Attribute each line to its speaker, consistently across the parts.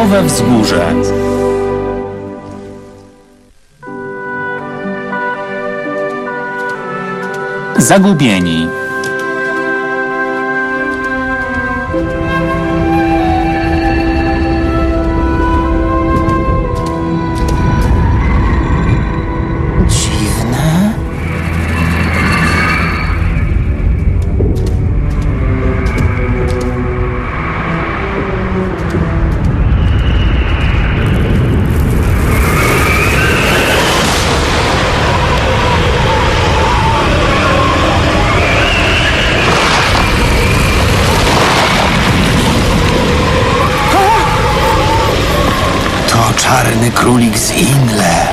Speaker 1: Nowe Wzgórze. Zagubieni.
Speaker 2: Dziwne. To czarny królik z Inle.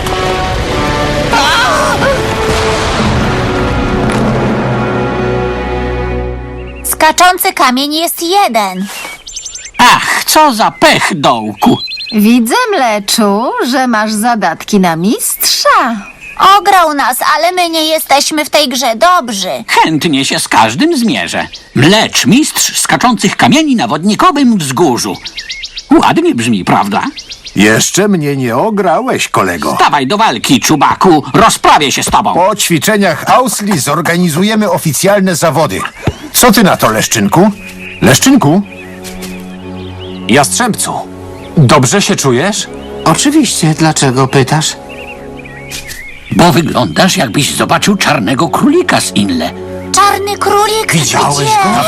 Speaker 3: Skaczący kamień jest jeden.
Speaker 4: Ach, co za pech, dołku.
Speaker 5: Widzę, Mleczu, że masz zadatki na mistrza.
Speaker 3: Ograł nas, ale my nie jesteśmy w tej grze dobrzy.
Speaker 4: Chętnie się z każdym zmierzę. Mlecz, mistrz skaczących kamieni na wodnikowym wzgórzu. Ładnie brzmi, prawda?
Speaker 6: Jeszcze mnie nie ograłeś, kolego.
Speaker 4: Dawaj do walki, czubaku. Rozprawię się z tobą.
Speaker 6: Po ćwiczeniach Ausli zorganizujemy oficjalne zawody. Co ty na to, Leszczynku? Leszczynku?
Speaker 1: Jastrzębcu, dobrze się czujesz?
Speaker 2: Oczywiście, dlaczego pytasz?
Speaker 4: Bo wyglądasz, jakbyś zobaczył czarnego królika z Inle.
Speaker 3: Czarny królik?
Speaker 6: Widziałeś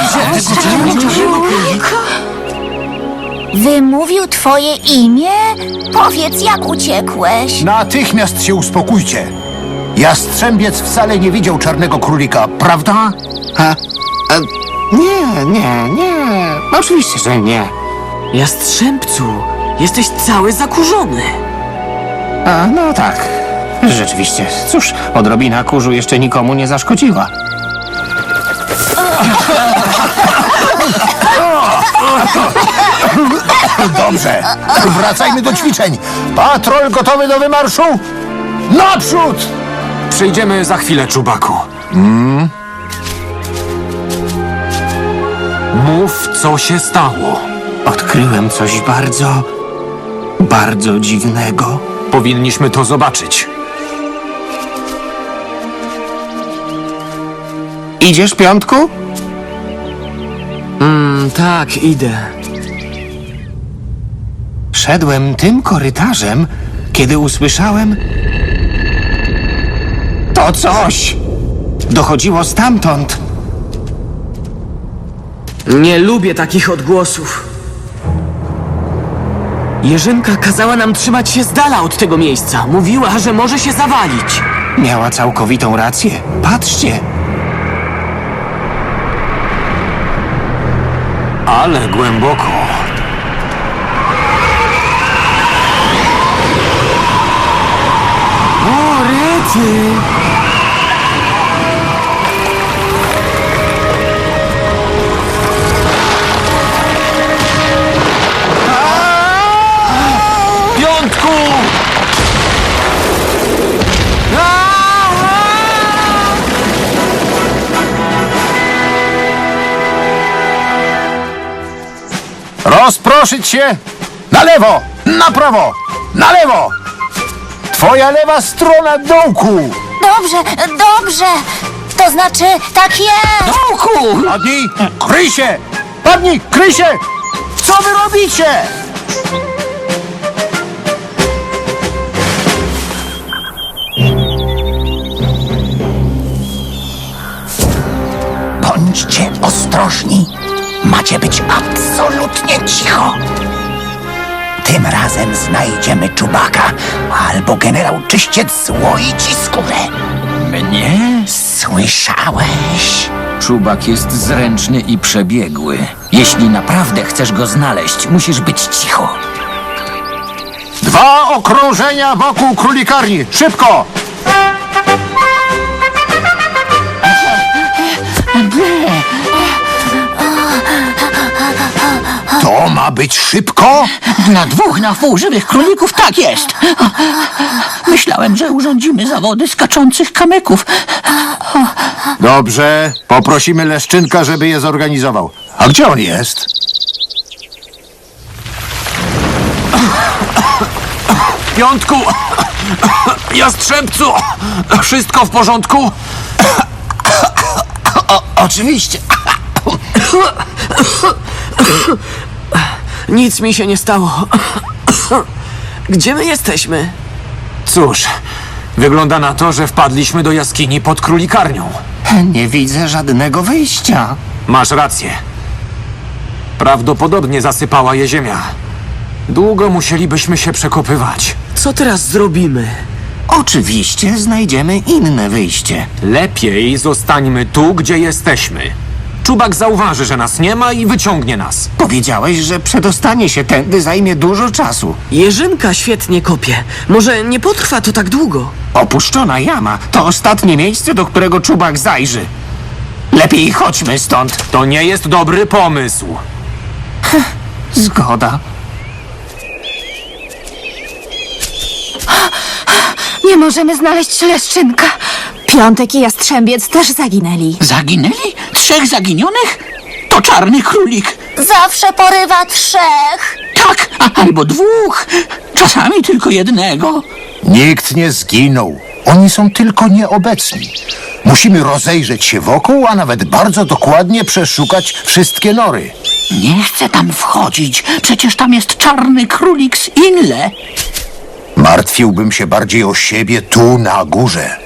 Speaker 3: Wymówił twoje imię? Powiedz, jak uciekłeś.
Speaker 6: Natychmiast się uspokójcie. Jastrzębiec wcale nie widział czarnego królika, prawda?
Speaker 2: Nie. Oczywiście, że nie.
Speaker 7: Jastrzębcu, jesteś cały zakurzony.
Speaker 2: A, no tak. Rzeczywiście. Cóż, odrobina kurzu jeszcze nikomu nie zaszkodziła.
Speaker 6: Dobrze. Wracajmy do ćwiczeń. Patrol gotowy do wymarszu? Naprzód!
Speaker 1: Przyjdziemy za chwilę, czubaku. Mów, co się stało.
Speaker 2: Odkryłem coś bardzo dziwnego.
Speaker 1: Powinniśmy to zobaczyć.
Speaker 2: Idziesz, Piątku?
Speaker 7: Tak, idę.
Speaker 2: Szedłem tym korytarzem, kiedy usłyszałem... To coś! Dochodziło stamtąd.
Speaker 7: Nie lubię takich odgłosów. Jerzynka kazała nam trzymać się z dala od tego miejsca. Mówiła, że może się zawalić.
Speaker 2: Miała całkowitą rację. Patrzcie!
Speaker 1: Ale głęboko.
Speaker 7: O, rety!
Speaker 1: Piątku!
Speaker 6: Rozproszyć się! Na lewo! Na prawo! Na lewo! Twoja lewa strona dołku!
Speaker 3: Dobrze. To znaczy, tak jest.
Speaker 4: Dołku!
Speaker 6: Padnij! Kryj się! Padnij! Kryj się! Co wy robicie?
Speaker 8: Bądźcie ostrożni. Macie być absolutnie cicho. Tym razem znajdziemy czubaka, albo generał Czyściec złoi ci skórę.
Speaker 4: Mnie?
Speaker 8: Słyszałeś?
Speaker 9: Czubak jest zręczny i przebiegły. Jeśli naprawdę chcesz go znaleźć, musisz być cicho.
Speaker 6: 2 okrążenia wokół królikarni! Szybko! To ma być szybko?
Speaker 4: Na 2 na wpół żywych królików tak jest. Myślałem, że urządzimy zawody skaczących kamyków.
Speaker 6: Dobrze, poprosimy Leszczynka, żeby je zorganizował. A gdzie on jest?
Speaker 1: Piątku! Jastrzębcu! Wszystko w porządku?
Speaker 2: Oczywiście.
Speaker 7: Nic mi się nie stało. Gdzie my jesteśmy?
Speaker 1: Cóż, wygląda na to, że wpadliśmy do jaskini pod królikarnią.
Speaker 2: Nie widzę żadnego wyjścia.
Speaker 1: Masz rację. Prawdopodobnie zasypała je ziemia. Długo musielibyśmy się przekopywać.
Speaker 7: Co teraz zrobimy?
Speaker 2: Oczywiście znajdziemy inne wyjście.
Speaker 1: Lepiej zostańmy tu, gdzie jesteśmy. Czubak zauważy, że nas nie ma i wyciągnie nas.
Speaker 2: Powiedziałeś, że przedostanie się tędy zajmie dużo czasu.
Speaker 7: Jerzynka świetnie kopie. Może nie potrwa to tak długo.
Speaker 2: Opuszczona jama to ostatnie miejsce, do którego czubak zajrzy. Lepiej chodźmy stąd.
Speaker 1: To nie jest dobry pomysł.
Speaker 2: Zgoda.
Speaker 5: Nie możemy znaleźć Leszczynka. Piątek i Jastrzębiec też zaginęli.
Speaker 4: Zaginęli? 3 zaginionych? To czarny królik.
Speaker 3: Zawsze porywa 3.
Speaker 4: Tak, albo 2. Czasami tylko 1.
Speaker 6: Nikt nie zginął. Oni są tylko nieobecni. Musimy rozejrzeć się wokół, a nawet bardzo dokładnie przeszukać wszystkie nory.
Speaker 4: Nie chcę tam wchodzić. Przecież tam jest czarny królik z Inle.
Speaker 6: Martwiłbym się bardziej o siebie tu na górze.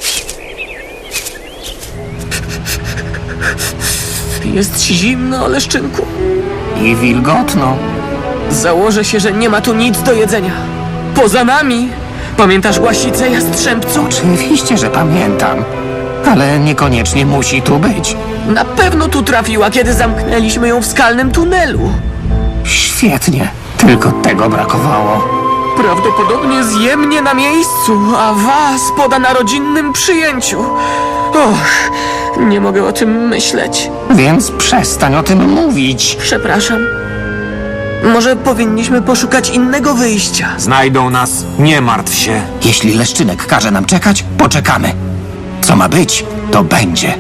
Speaker 7: Jest zimno, Leszczynku.
Speaker 2: I wilgotno.
Speaker 7: Założę się, że nie ma tu nic do jedzenia. Poza nami. Pamiętasz Łasicę, Jastrzębcu?
Speaker 2: Oczywiście, że pamiętam. Ale niekoniecznie musi tu być.
Speaker 7: Na pewno tu trafiła, kiedy zamknęliśmy ją w skalnym tunelu.
Speaker 2: Świetnie. Tylko tego brakowało.
Speaker 7: Prawdopodobnie zje mnie na miejscu, a was poda na rodzinnym przyjęciu. Och, nie mogę o tym myśleć.
Speaker 2: Więc przestań o tym mówić.
Speaker 7: Przepraszam. Może powinniśmy poszukać innego wyjścia.
Speaker 1: Znajdą nas, nie martw się.
Speaker 2: Jeśli Leszczynek każe nam czekać, poczekamy. Co ma być, to będzie.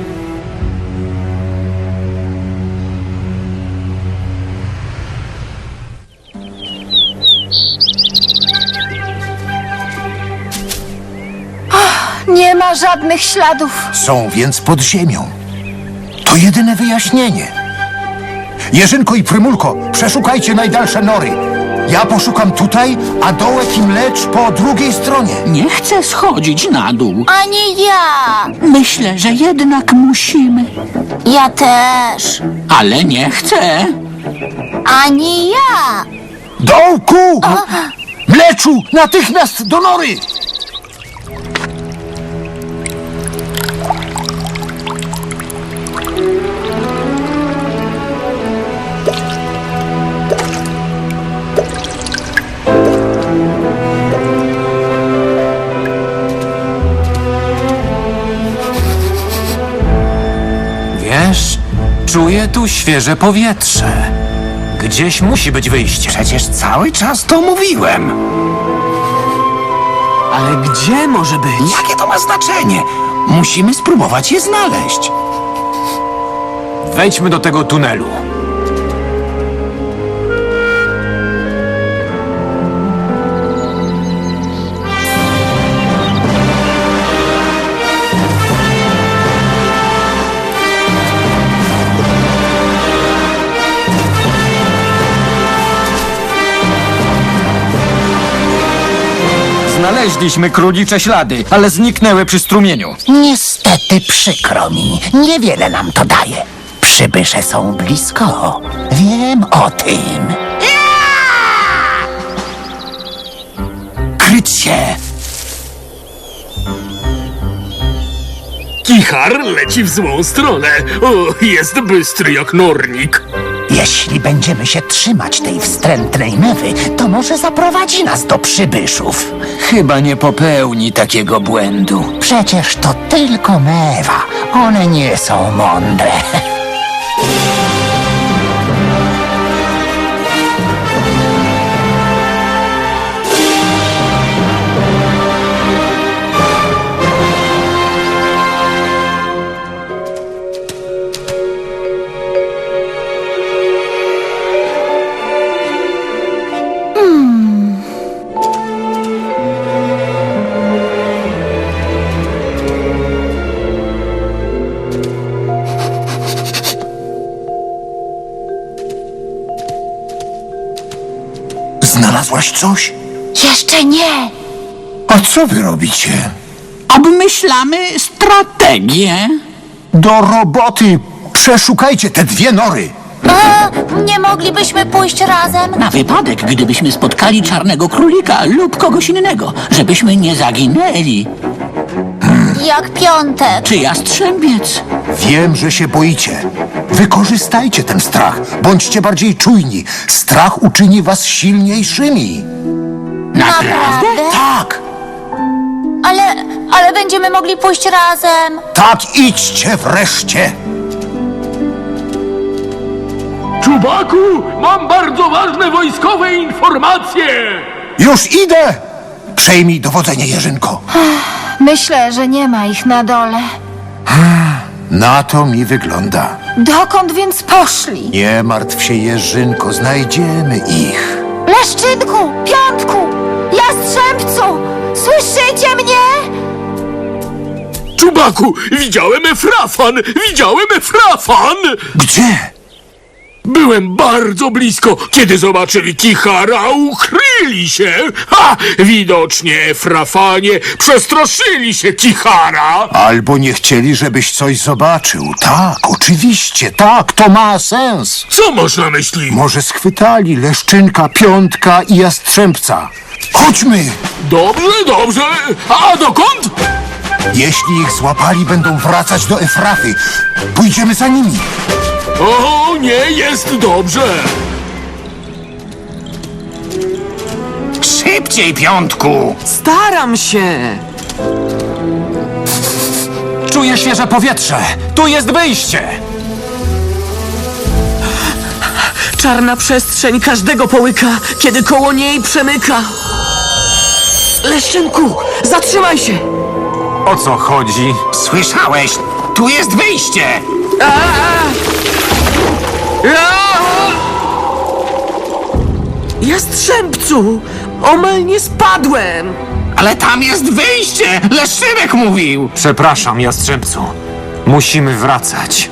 Speaker 5: Nie ma żadnych śladów.
Speaker 6: Są więc pod ziemią. To jedyne wyjaśnienie. Jerzynko i Prymulko, przeszukajcie najdalsze nory. Ja poszukam tutaj, a Dołek i Mlecz po drugiej stronie.
Speaker 4: Nie chcę schodzić na dół.
Speaker 3: Ani ja.
Speaker 4: Myślę, że jednak musimy.
Speaker 3: Ja też.
Speaker 4: Ale nie chcę.
Speaker 3: Ani ja.
Speaker 6: Dołku! Mleczu, natychmiast do nory!
Speaker 1: Wiesz, czuję tu świeże powietrze. Gdzieś musi być wyjście.
Speaker 2: Przecież cały czas to mówiłem.
Speaker 7: Ale gdzie może być?
Speaker 2: Jakie to ma znaczenie? Musimy spróbować je znaleźć.
Speaker 1: Wejdźmy do tego tunelu.
Speaker 9: Znaleźliśmy królicze ślady, ale zniknęły przy strumieniu.
Speaker 8: Niestety przykro mi, niewiele nam to daje. Przybysze są blisko. Wiem o tym. Kryć się!
Speaker 10: Kichar leci w złą stronę. O, jest bystry jak nornik.
Speaker 8: Jeśli będziemy się trzymać tej wstrętnej mewy, to może zaprowadzi nas do przybyszów.
Speaker 9: Chyba nie popełni takiego błędu.
Speaker 8: Przecież to tylko mewa. One nie są mądre.
Speaker 6: Znalazłaś coś?
Speaker 3: Jeszcze nie.
Speaker 6: A co wy robicie?
Speaker 4: Obmyślamy strategię.
Speaker 6: Do roboty! Przeszukajcie te 2 nory!
Speaker 3: A, nie moglibyśmy pójść razem?
Speaker 4: Na wypadek, gdybyśmy spotkali czarnego królika lub kogoś innego, żebyśmy nie zaginęli.
Speaker 3: Jak Piątek.
Speaker 4: Czy jastrzębiec?
Speaker 6: Wiem, że się boicie. Wykorzystajcie ten strach. Bądźcie bardziej czujni. Strach uczyni was silniejszymi.
Speaker 4: Naprawdę?
Speaker 6: Tak!
Speaker 3: Ale będziemy mogli pójść razem.
Speaker 6: Tak, idźcie wreszcie!
Speaker 10: Czubaku, mam bardzo ważne wojskowe informacje!
Speaker 6: Już idę! Przejmij dowodzenie, Jerzynko.
Speaker 5: Myślę, że nie ma ich na dole.
Speaker 6: Na to mi wygląda.
Speaker 5: Dokąd więc poszli?
Speaker 6: Nie martw się, Jerzynko, znajdziemy ich.
Speaker 5: Leszczynku, Piątku, Jastrzębcu! Słyszycie mnie?
Speaker 10: Czubaku, widziałem Efrafan! Widziałem Efrafan!
Speaker 6: Gdzie?
Speaker 10: Byłem bardzo blisko, kiedy zobaczyli Kichara, ukryli się! Ha! Widocznie Efrafanie przestraszyli się Kichara!
Speaker 6: Albo nie chcieli, żebyś coś zobaczył. Tak, oczywiście, tak, to ma sens.
Speaker 10: Co masz na myśli?
Speaker 6: Może schwytali Leszczynka, Piątka i Jastrzębca. Chodźmy!
Speaker 10: Dobrze, dobrze! A dokąd?
Speaker 6: Jeśli ich złapali, będą wracać do Efrafy. Pójdziemy za nimi.
Speaker 10: O, nie jest dobrze!
Speaker 2: Szybciej, Piątku!
Speaker 7: Staram się.
Speaker 1: Czuję świeże powietrze! Tu jest wyjście!
Speaker 7: Czarna przestrzeń każdego połyka, kiedy koło niej przemyka. Leszczynku, zatrzymaj się!
Speaker 1: O co chodzi?
Speaker 2: Słyszałeś? Tu jest wyjście!
Speaker 7: Jastrzębcu, omal nie spadłem.
Speaker 2: Ale tam jest wyjście! Leszczynek mówił!
Speaker 1: Przepraszam, Jastrzębcu. Musimy wracać.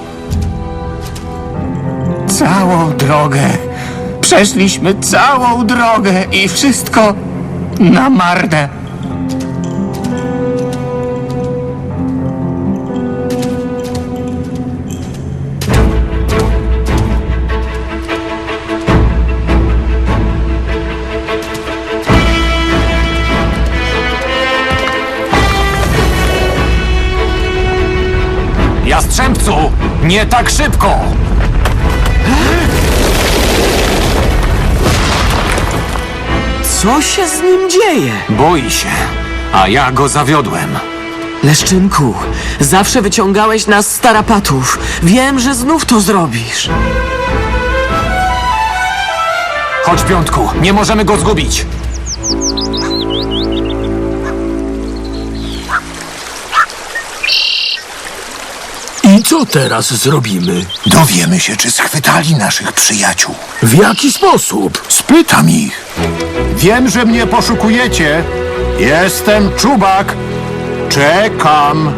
Speaker 2: Całą drogę. Przeszliśmy całą drogę i wszystko na marne.
Speaker 1: Jastrzębcu! Nie tak szybko!
Speaker 7: Co się z nim dzieje?
Speaker 1: Boi się, a ja go zawiodłem.
Speaker 7: Leszczynku, zawsze wyciągałeś nas z tarapatów. Wiem, że znów to zrobisz.
Speaker 1: Chodź, Piątku, nie możemy go zgubić.
Speaker 10: I co teraz zrobimy?
Speaker 6: Dowiemy się, czy schwytali naszych przyjaciół.
Speaker 10: W jaki sposób?
Speaker 6: Spytam ich. Wiem, że mnie poszukujecie. Jestem Czubak. Czekam.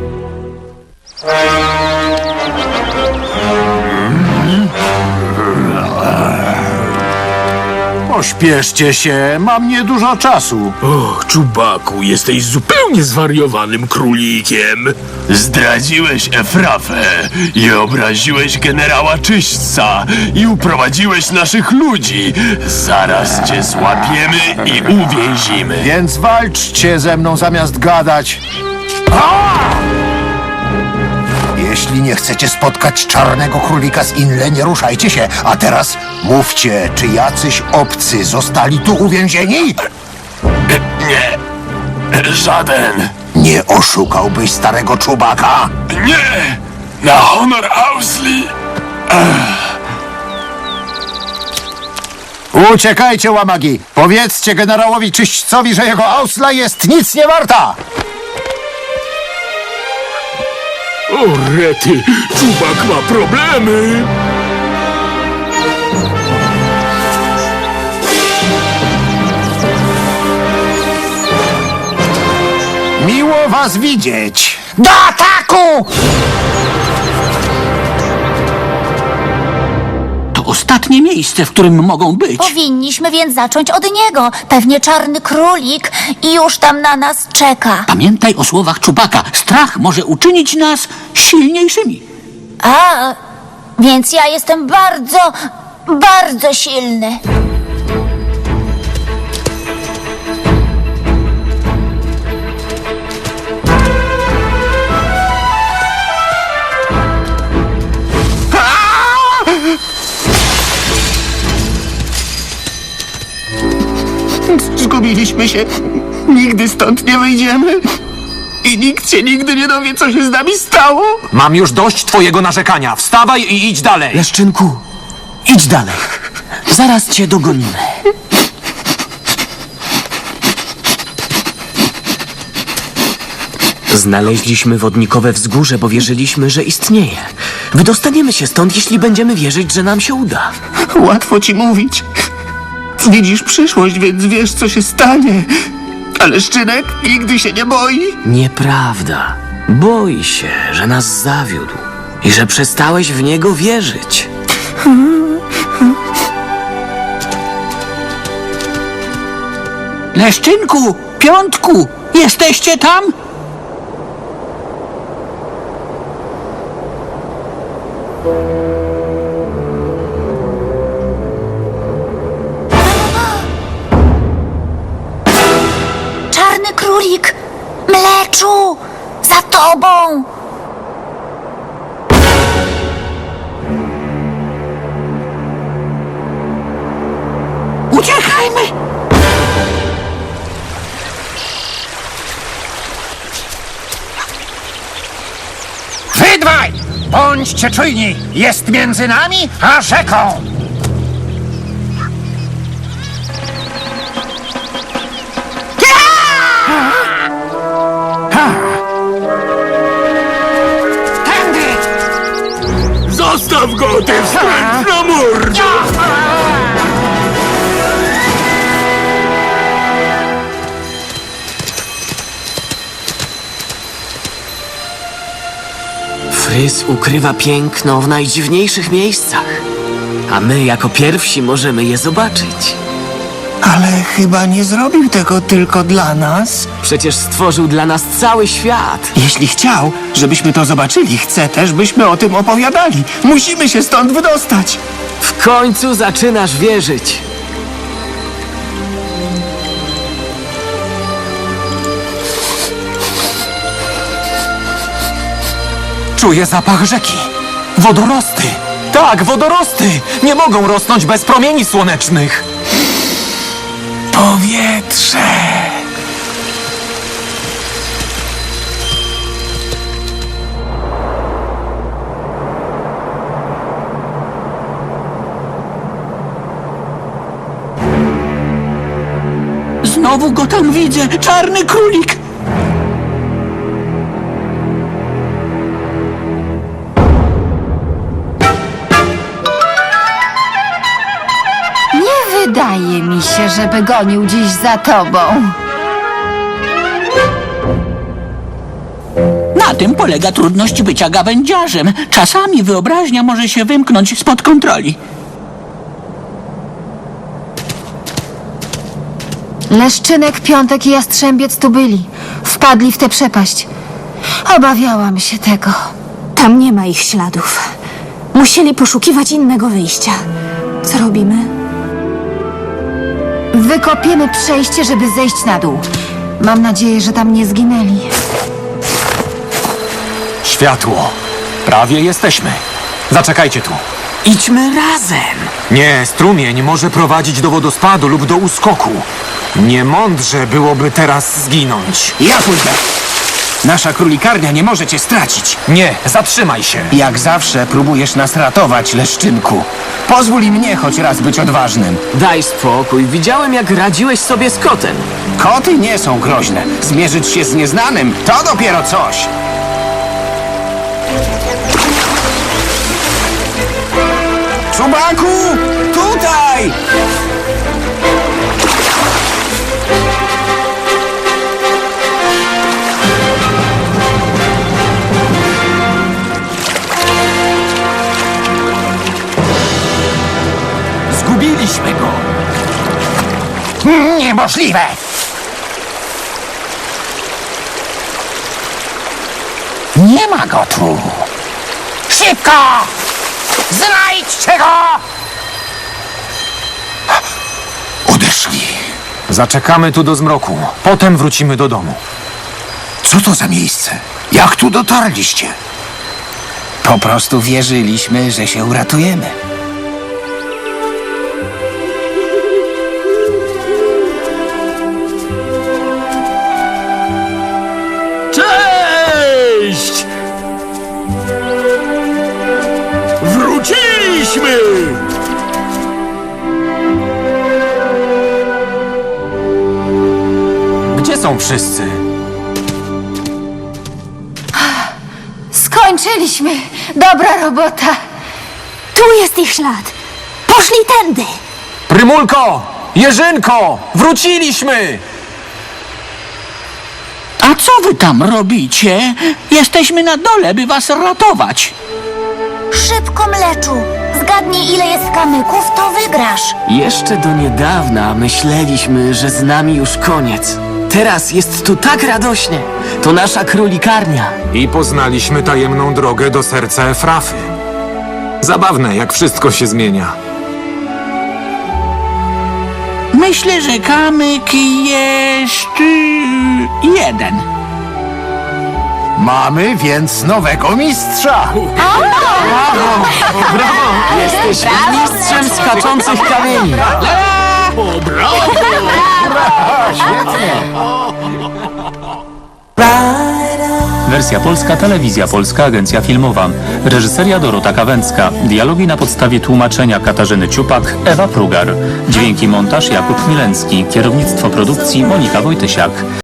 Speaker 6: Pośpieszcie się, mam niedużo czasu.
Speaker 10: O, Czubaku, jesteś zupełnie zwariowanym królikiem.
Speaker 11: Zdradziłeś Efrafę i obraziłeś generała Czyśćca i uprowadziłeś naszych ludzi. Zaraz cię złapiemy i uwięzimy.
Speaker 6: Więc walczcie ze mną zamiast gadać. Jeśli nie chcecie spotkać czarnego królika z Inle, nie ruszajcie się. A teraz mówcie, czy jacyś obcy zostali tu uwięzieni?
Speaker 11: Nie, żaden.
Speaker 6: Nie oszukałbyś starego Czubaka?
Speaker 11: Nie, na honor Ausli.
Speaker 6: Uciekajcie, łamagi! Powiedzcie generałowi Czyśćcowi, że jego ausla jest nic nie warta!
Speaker 10: O, rety, Czubak ma problemy.
Speaker 6: Miło was widzieć! Do ataku!
Speaker 4: To ostatnie miejsce, w którym mogą być.
Speaker 3: Powinniśmy więc zacząć od niego. Pewnie czarny królik i już tam na nas czeka.
Speaker 4: Pamiętaj o słowach Czubaka. Strach może uczynić nas silniejszymi.
Speaker 3: A, więc ja jestem bardzo, bardzo silny.
Speaker 2: Zgubiliśmy się. Nigdy stąd nie wyjdziemy. I nikt się nigdy nie dowie, co się z nami stało.
Speaker 1: Mam już dość twojego narzekania. Wstawaj i idź dalej.
Speaker 7: Leszczynku, idź dalej. Zaraz cię dogonimy. Znaleźliśmy wodnikowe wzgórze, bo wierzyliśmy, że istnieje. Wydostaniemy się stąd, jeśli będziemy wierzyć, że nam się uda.
Speaker 2: Łatwo ci mówić. Widzisz przyszłość, więc wiesz, co się stanie. Ale Szczynek nigdy się nie boi.
Speaker 7: Nieprawda. Boi się, że nas zawiódł i że przestałeś w niego wierzyć.
Speaker 4: Leszczynku, Piątku, jesteście tam?
Speaker 3: Czarny królik! Mleczu! Za tobą!
Speaker 4: Uciekajmy!
Speaker 8: Wy dwaj! Bądźcie czujni! Jest między nami a rzeką!
Speaker 10: Zostaw go, ty wstrętna mordo!
Speaker 7: Frys ukrywa piękno w najdziwniejszych miejscach, a my jako pierwsi możemy je zobaczyć.
Speaker 2: Ale chyba nie zrobił tego tylko dla nas.
Speaker 7: Przecież stworzył dla nas cały świat.
Speaker 2: Jeśli chciał, żebyśmy to zobaczyli, chce też, byśmy o tym opowiadali. Musimy się stąd wydostać.
Speaker 7: W końcu zaczynasz wierzyć.
Speaker 1: Czuję zapach rzeki. Wodorosty. Tak, wodorosty. Nie mogą rosnąć bez promieni słonecznych.
Speaker 2: Powietrze.
Speaker 4: Znowu go tam widzę, czarny królik!
Speaker 5: Nie wydaje mi się, żeby gonił dziś za tobą.
Speaker 4: Na tym polega trudność bycia gawędziarzem. Czasami wyobraźnia może się wymknąć spod kontroli.
Speaker 5: Leszczynek, Piątek i Jastrzębiec tu byli. Wpadli w tę przepaść. Obawiałam się tego. Tam nie ma ich śladów. Musieli poszukiwać innego wyjścia. Co robimy? Wykopiemy przejście, żeby zejść na dół. Mam nadzieję, że tam nie zginęli.
Speaker 1: Światło. Prawie jesteśmy. Zaczekajcie tu.
Speaker 7: Idźmy razem.
Speaker 1: Nie, strumień może prowadzić do wodospadu lub do uskoku. Niemądrze byłoby teraz zginąć.
Speaker 2: Ja pójdę. Nasza królikarnia nie może cię stracić.
Speaker 1: Nie, zatrzymaj się.
Speaker 2: Jak zawsze próbujesz nas ratować, Leszczynku. Pozwól i mnie choć raz być odważnym.
Speaker 7: Daj spokój. Widziałem, jak radziłeś sobie z kotem.
Speaker 2: Koty nie są groźne. Zmierzyć się z nieznanym to dopiero coś. Czubaku! Tutaj!
Speaker 8: niemożliwe! Nie ma go tu! Szybko! Znajdźcie go!
Speaker 6: Odeszli.
Speaker 1: Zaczekamy tu do zmroku. Potem wrócimy do domu.
Speaker 6: Co to za miejsce? Jak tu dotarliście?
Speaker 8: Po prostu wierzyliśmy, że się uratujemy.
Speaker 10: Cześć! Wróciliśmy!
Speaker 1: Gdzie są wszyscy?
Speaker 5: Skończyliśmy. Dobra robota. Tu jest ich ślad. Poszli tędy.
Speaker 1: Prymulko! Jerzynko! Wróciliśmy!
Speaker 4: A co wy tam robicie? Jesteśmy na dole, by was ratować.
Speaker 3: Szybko, Mleczu. Zgadnij, ile jest kamyków, to wygrasz.
Speaker 7: Jeszcze do niedawna myśleliśmy, że z nami już koniec. Teraz jest tu tak radośnie. To nasza królikarnia.
Speaker 1: I poznaliśmy tajemną drogę do serca Efrafy. Zabawne, jak wszystko się zmienia.
Speaker 4: Myślę, że kamyk jest jeden.
Speaker 6: Mamy więc nowego mistrza.
Speaker 7: Jesteś mistrzem skaczących kamieni.
Speaker 10: O, brawo!
Speaker 12: Wersja polska, telewizja polska, agencja filmowa. Reżyseria Dorota Kawęcka. Dialogi na podstawie tłumaczenia Katarzyny Ciupak, Ewa Prugar. Dźwięki montaż Jakub Milencki. Kierownictwo produkcji Monika Wojtysiak.